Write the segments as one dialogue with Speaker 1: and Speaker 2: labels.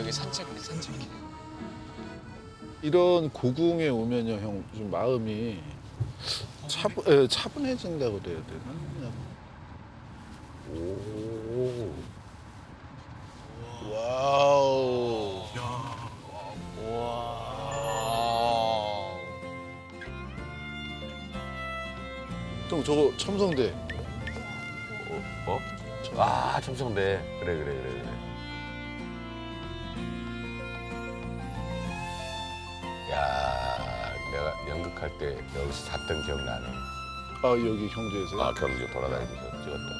Speaker 1: 여기 산책 우리 산책해.
Speaker 2: 이런 고궁에 오면요, 형, 좀 마음이 차분해진다고 그래야 되나? 그냥. 오. 와우.
Speaker 1: 와.
Speaker 2: 형, 저거 첨성대.
Speaker 3: 어? 아, 첨성대. 그래. 야, 내가 연극할 때 여기서 잤던 기억나네.
Speaker 2: 아, 여기 경주에서요?
Speaker 3: 아, 경주 돌아다니면서 찍었다.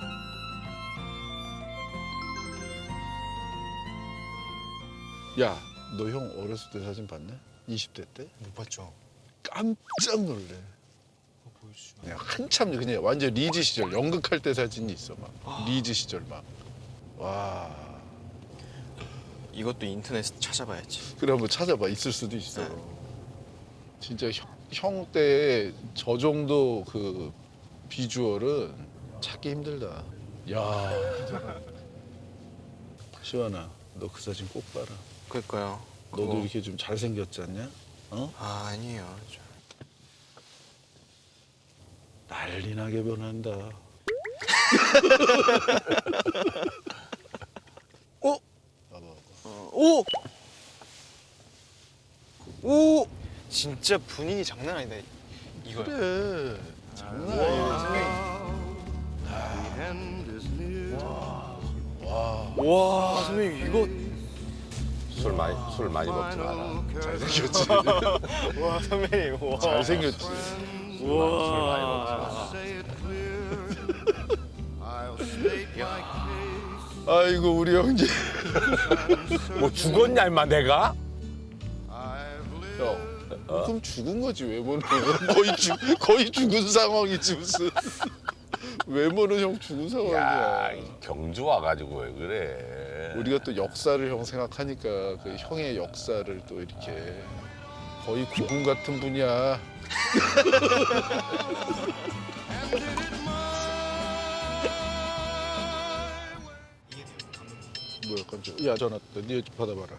Speaker 2: 야, 너 형 어렸을 때 사진 봤냐? 20대 때?
Speaker 1: 못 봤죠?
Speaker 2: 깜짝 놀래.
Speaker 1: 보여주시면.
Speaker 2: 그냥 한참 그냥 완전 리즈 시절 연극할 때 사진이 있어 막. 리즈 시절 막. 와.
Speaker 1: 이것도 인터넷에 찾아봐야지.
Speaker 2: 그래 한번 찾아봐. 있을 수도 있어. 진짜 형 때 저 정도 그 비주얼은 찾기 힘들다. 야. 시원아, 너 그 사진 꼭 봐라.
Speaker 1: 그러니까요.
Speaker 2: 너도
Speaker 1: 그거-
Speaker 2: 이렇게 좀 잘생겼지 않냐? 어?
Speaker 1: 아, 아니에요.
Speaker 2: 난리 나게 변한다. 어? 봐봐.
Speaker 1: 오! 오! 진짜 분위기 장난 아니다. 이거요.
Speaker 2: 그래. 장난 아니야. 와.
Speaker 1: 와, 선배님 이거
Speaker 3: 술 많이 먹지 마라.
Speaker 2: 잘생겼지.
Speaker 1: 와, 선배님. 와.
Speaker 2: 잘생겼지.
Speaker 3: 술 많이 먹지 마라.
Speaker 2: 아이고 우리 형제.
Speaker 3: 뭐 죽었냐, 임마, 내가?
Speaker 2: 형. 그럼 죽은 거지 외모는. 거의 죽은 상황이지 무슨. 외모는 형 죽은
Speaker 3: 야,
Speaker 2: 상황이야.
Speaker 3: 경주 와가지고 왜 그래?
Speaker 2: 우리가 또 역사를 형 생각하니까 그 형의 역사를 또 이렇게 거의 고군 같은 분이야. 뭐야 깜짝. 야 전화 왔다. 네 받아봐라.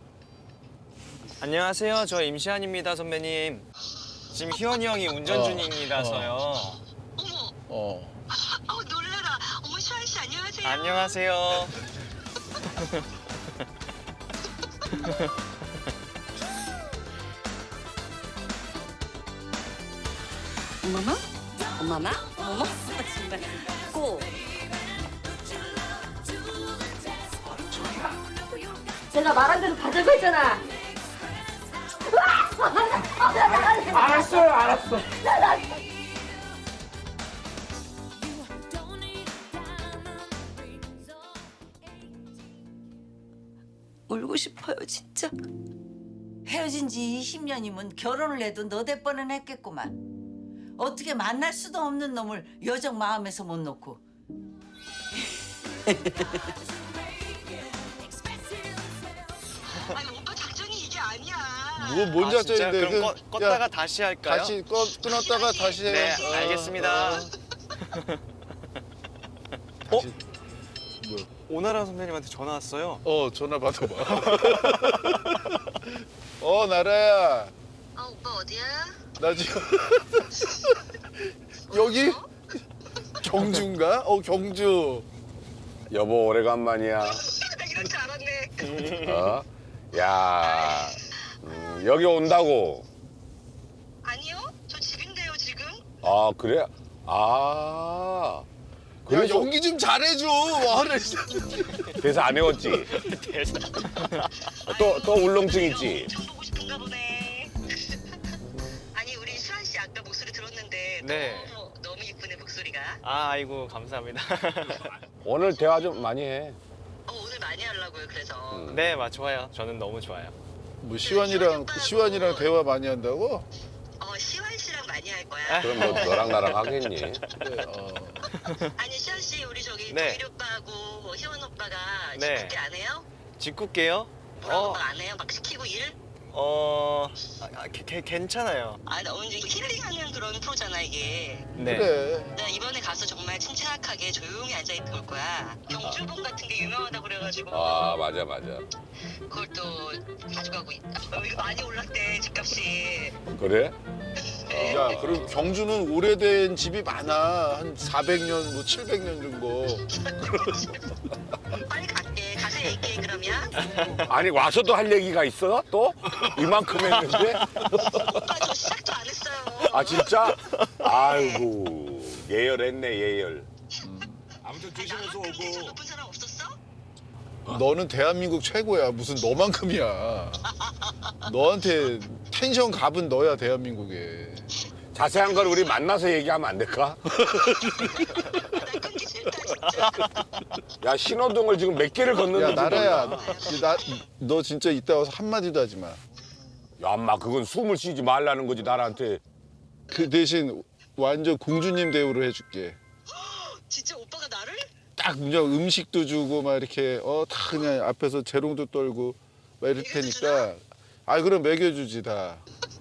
Speaker 1: 안녕하세요. 저 임시한입니다, 선배님. 지금 희원이 형이 운전 중입니다서요.
Speaker 2: 어.
Speaker 4: 놀래라. 어머, 시환 씨 안녕하세요.
Speaker 1: 안녕하세요.
Speaker 5: 엄마마? 엄마마? 어머, 정말 꼭. 제가 말한 대로 가자고 했잖아.
Speaker 6: 알았어.
Speaker 5: 울고 싶어요, 진짜.
Speaker 7: 헤어진 지 20년이면 결혼을 해도 너댓 뻔은 했겠구만. 어떻게 만날 수도 없는 놈을 여정 마음에서 못 놓고.
Speaker 4: 아니, 오빠 작전이 이게 아니야.
Speaker 2: 뭔
Speaker 1: 아, 진짜?
Speaker 2: 작전인데?
Speaker 1: 그럼 껐다가 다시 할까요?
Speaker 2: 다시 끊었다가 다시 해.
Speaker 1: 네, 알겠습니다.
Speaker 2: 다시. 뭐야?
Speaker 1: 오나라 선배님한테 전화 왔어요.
Speaker 2: 전화 받아봐. 나라야.
Speaker 4: 오빠 어디야?
Speaker 2: 나 지금 여기 경주인가? 경주.
Speaker 3: 여보, 오래간만이야.
Speaker 4: 나 이럴 줄 알았네.
Speaker 3: 어? 야, 여기 온다고.
Speaker 4: 아니요, 저 집인데요, 지금.
Speaker 3: 아, 그래? 아.
Speaker 2: 야
Speaker 3: 그래서,
Speaker 2: 연기 좀 잘해줘. 와를.
Speaker 3: 그래서 안 외웠지? 또 울렁증 있지?
Speaker 4: 엄청 보고 싶은가 보네. 아니, 우리 수환 씨 아까 목소리 들었는데
Speaker 1: 네.
Speaker 4: 너무 이쁘네 목소리가.
Speaker 1: 아, 아이고 감사합니다.
Speaker 3: 오늘 대화 좀 많이 해.
Speaker 4: 오늘 많이 하려고요. 그래서
Speaker 1: 네, 좋아요. 저는 너무 좋아요.
Speaker 2: 뭐 시완이랑 대화 많이 한다고?
Speaker 4: 시환 씨랑 많이 할 거야.
Speaker 3: 그럼 뭐 너랑 나랑 하겠니?
Speaker 2: 네.
Speaker 4: 아니, 시환 씨 우리 저기
Speaker 1: 네.
Speaker 4: 도일 오빠하고 희원 오빠가
Speaker 1: 네.
Speaker 4: 식구때 안 해요?
Speaker 1: 짓궂게요?
Speaker 4: 뭐라고 막 안 해요? 막 시키고 일?
Speaker 1: 괜찮아요.
Speaker 4: 아, 나 오늘 힐링하는 그런 프로잖아 이게.
Speaker 1: 네.
Speaker 2: 그래.
Speaker 4: 나 이번에 가서 정말 침착하게 조용히 앉아 있고 올 거야. 경주봉 같은 게 유명하다 그래가지고.
Speaker 3: 아 맞아 맞아.
Speaker 4: 그걸 또 가져가고 있다. 이거 많이 올랐대 집값이.
Speaker 3: 그래?
Speaker 2: 야, 그리고 경주는 오래된 집이 많아. 한 400년, 뭐 700년 정도.
Speaker 4: 빨리 갈게. 가서 얘기해 그러면.
Speaker 3: 아니 와서도 할 얘기가 있어? 또? 이만큼 했는데?
Speaker 4: 오빠 저 시작도 안 했어요.
Speaker 3: 아 진짜? 아이고 예열했네 예열. 아무튼 조심해서
Speaker 4: 나한테 텐션
Speaker 3: 오고.
Speaker 4: 높은 사람 없었어?
Speaker 2: 너는 대한민국 최고야. 무슨 너만큼이야. 너한테 텐션 갑은 너야, 대한민국에.
Speaker 3: 자세한 걸 우리 만나서 얘기하면 안 될까?
Speaker 4: 나 끊기 싫다 진짜.
Speaker 3: 야 신호등을 지금 몇 개를 걷는지
Speaker 2: 야, 나라야. 너 진짜 이따 와서 한마디도 하지 마.
Speaker 3: 야 엄마 그건 숨을 쉬지 말라는 거지 나한테.
Speaker 2: 그 대신 완전 공주님 대우를 해줄게.
Speaker 4: 진짜 오빠가 나를?
Speaker 2: 딱 그냥 음식도 주고 막 이렇게 다 그냥 앞에서 재롱도 떨고 막 이럴 테니까. 아, 그럼 먹여주지 다.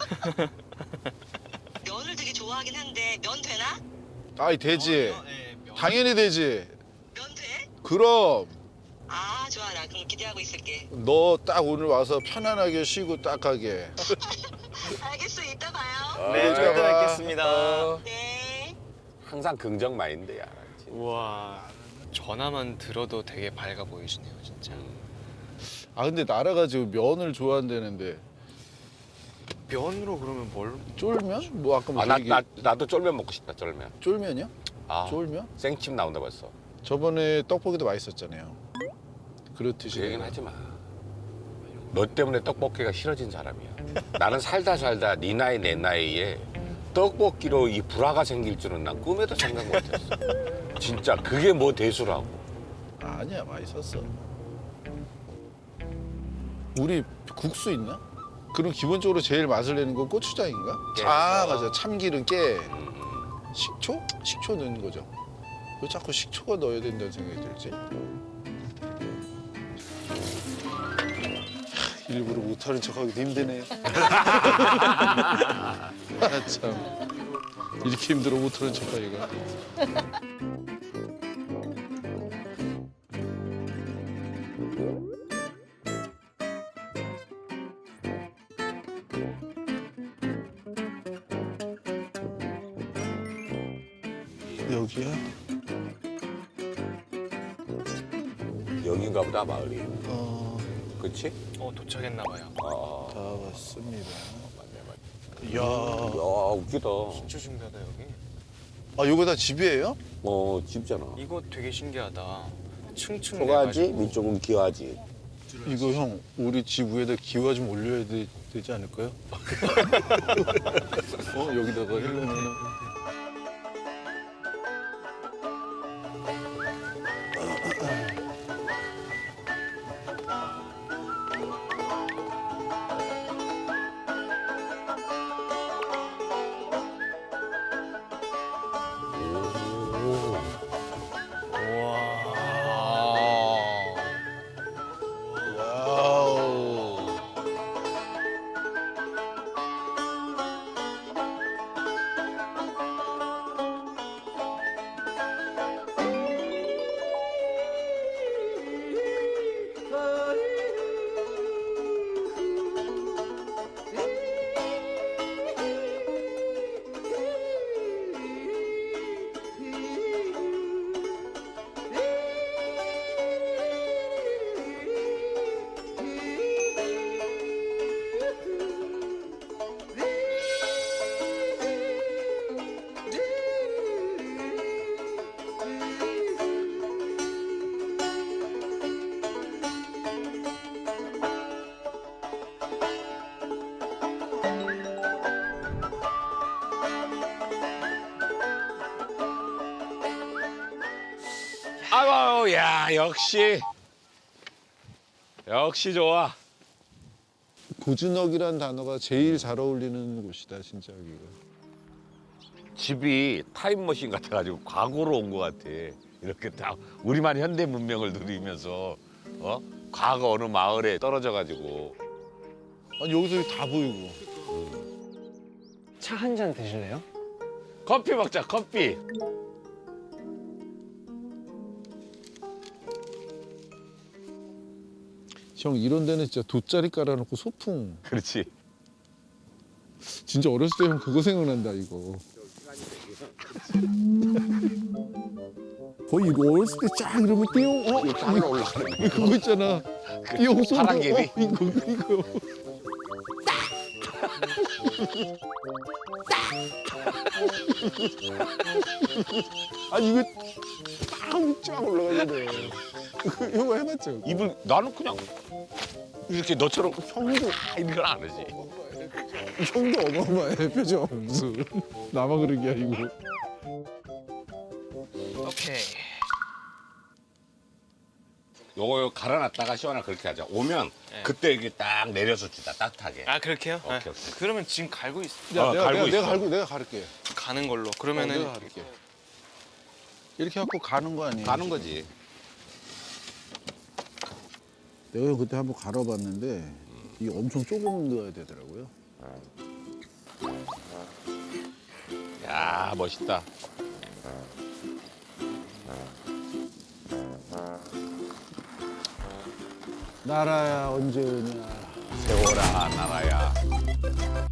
Speaker 4: 면을 되게 좋아하긴 한데 면 되나?
Speaker 2: 아이, 되지. 당연히 되지.
Speaker 4: 면 돼?
Speaker 2: 그럼
Speaker 4: 아 좋아 나 그럼 기대하고 있을게.
Speaker 2: 너 딱 오늘 와서 편안하게 쉬고 딱 가게.
Speaker 4: 알겠어 이따 봐요.
Speaker 1: 네,
Speaker 2: 이따
Speaker 1: 절대
Speaker 2: 봐.
Speaker 1: 뵙겠습니다.
Speaker 4: 네.
Speaker 3: 항상 긍정 마인드야.
Speaker 1: 우와, 전화만 들어도 되게 밝아 보이시네요, 진짜.
Speaker 2: 아, 근데 나라가 지금 면을 좋아한다는데
Speaker 1: 면으로 그러면 뭘?
Speaker 2: 쫄면? 뭐 아까 뭐
Speaker 3: 나도 쫄면 먹고 싶다 쫄면.
Speaker 2: 쫄면이요?
Speaker 3: 아
Speaker 2: 쫄면?
Speaker 3: 생침 나온다 벌써.
Speaker 2: 저번에 떡볶이도 맛있었잖아요. 그렇듯이.
Speaker 3: 그 얘기는 하지 마. 너 때문에 떡볶이가 싫어진 사람이야. 나는 살다 네 나이 내 나이에 떡볶이로 이 불화가 생길 줄은 난 꿈에도 생각 못했어. 진짜 그게 뭐 대수라고.
Speaker 2: 아니야, 맛있었어. 우리 국수 있나? 그럼 기본적으로 제일 맛을 내는 건 고추장인가?
Speaker 3: 깨.
Speaker 2: 아, 맞아. 참기름, 깨.
Speaker 3: 음.
Speaker 2: 식초? 식초 넣는 거죠. 왜 자꾸 식초가 넣어야 된다는 생각이 들지? 일부러 못하는 척하기도 힘드네. 아, 참. 이렇게 힘들어 못하는 척하기가. 여기야?
Speaker 3: 여긴가 보다 마을이. 그치?
Speaker 1: 도착했나 봐요.
Speaker 3: 아
Speaker 2: 다 왔습니다.
Speaker 3: 맞네 맞네.
Speaker 2: 이야.
Speaker 3: 야 웃기다.
Speaker 1: 진짜 신기하다 여기.
Speaker 2: 아, 요거 다 집이에요?
Speaker 3: 집잖아.
Speaker 1: 이거 되게 신기하다. 층층
Speaker 3: 초가지
Speaker 1: 내가지고.
Speaker 3: 위쪽은 기와지.
Speaker 2: 이거 형, 우리 집 위에다 기와 좀 올려야 되지 않을까요? 여기다가 하려면
Speaker 1: 우와.
Speaker 2: 와우.
Speaker 3: 아유 야 역시 좋아.
Speaker 2: 고즈넉이란 단어가 제일 잘 어울리는 곳이다, 진짜 여기가.
Speaker 3: 집이 타임머신 같아가지고 과거로 온 것 같아. 이렇게 다 우리만 현대 문명을 누리면서 과거 어느 마을에 떨어져가지고
Speaker 2: 아니 여기서 다 보이고.
Speaker 1: 차 한 잔 드실래요?
Speaker 3: 커피 먹자 커피.
Speaker 2: 형 이런 데는 진짜 돗자리 깔아놓고 소풍.
Speaker 3: 그렇지.
Speaker 2: 진짜 어렸을 때 형 그거 생각난다 이거. 거의 이거 어렸을 때 쫙 이러면 띠용
Speaker 3: 땅으로 올라가는 거.
Speaker 2: 그거 있잖아. 띠용 소리.
Speaker 3: 파랑개비?
Speaker 2: 이거. 아니 이거 쫙 올라가는데. 이거 해봤죠?
Speaker 3: 입을 나는 그냥 이렇게 너처럼 형도 이런 건 안 하지.
Speaker 2: 형도 어마어마해 표정 무슨 나만 그런 게 아니고.
Speaker 1: 오케이.
Speaker 3: 요거 갈아놨다가 시원하게 그렇게 하자. 오면
Speaker 1: 네.
Speaker 3: 그때 이게 딱 내려서 주자 따뜻하게.
Speaker 1: 아 그렇게요?
Speaker 3: 오케이,
Speaker 1: 네.
Speaker 3: 오케이.
Speaker 1: 그러면 지금 갈고 있어.
Speaker 2: 내가 가를게.
Speaker 1: 가는 걸로.
Speaker 2: 내가
Speaker 1: 그러면은
Speaker 2: 가를게. 이렇게 갖고 가는 거 아니에요?
Speaker 3: 가는 거지.
Speaker 2: 내가 그때 한번 갈아봤는데 이게 엄청 조금 넣어야 되더라고요.
Speaker 3: 야 멋있다.
Speaker 2: 나라야 언제 오냐.
Speaker 3: 세워라 나라야.